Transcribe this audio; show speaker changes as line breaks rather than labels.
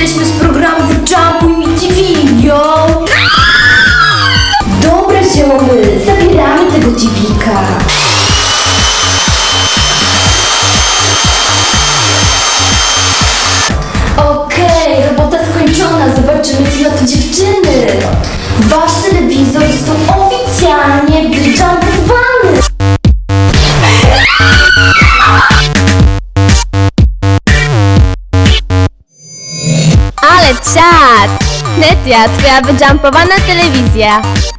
jesteśmy z programu Jumpuj Mi TV, yo! Dobra zioły, zabieramy tego TV-ka. Okej, robota skończona, zobaczymy co na to dziewczyny. Wasz telewizor został oficjalnie wyjumpowany.
Ale czad! Netia, twoja wyjumpowana telewizja.